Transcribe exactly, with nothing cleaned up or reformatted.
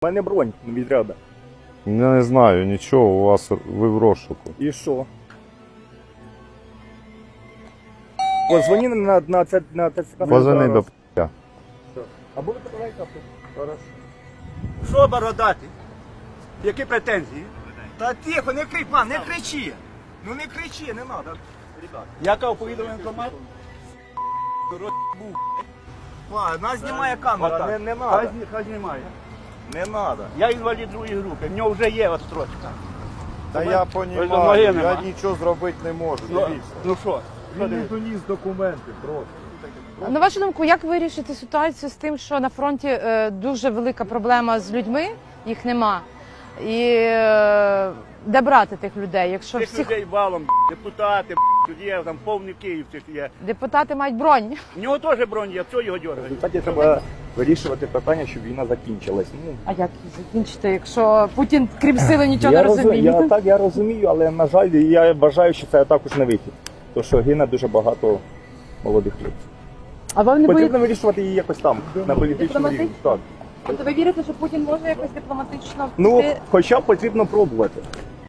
У мене бронь відряда. Я не знаю, нічого, у вас ви в розшуку. І що? Позвони на, на, це, на ТЦК. Позвони до п***я. Або ви покарайте авто. Хорошо. Що бородати? Які претензії? Та тихо, не кричи, пан, не кричи. Ну не кричи, не треба. Яка оповідомлення інформація? Нас знімає камера. Та не- не надо. Хай зні- Хай знімає. Не треба. Я інвалід другої групи, в нього вже є отстрочка. Та я Ось ноги розумію, я нема. нічого зробити не можу, Ну, дивіться. ну що? Що Він не дивитися? доніс документи просто. На вашу думку, як вирішити ситуацію з тим, що на фронті е, дуже велика проблема з людьми, їх нема. І е, де брати тих людей, якщо Цих всіх людей валом, депутати, тут є, там повний Київ цих є. депутати мають бронь? В нього теж бронь є, що його В дергають? результаті треба вирішувати питання, щоб війна закінчилась. Ну, А як їх закінчити, якщо Путін, крім сили, нічого я не розу- розуміє? Я, так, я розумію, але, на жаль, я вважаю, що це також не вихід. Тому що гине дуже багато молодих хлопців. А ви не Потрібно боїтеся? вирішувати її якось там, на політичному рівні. Так. Тобто ви вірите, що Путін може якось дипломатично Ну, впливати? хоча б потрібно пробувати.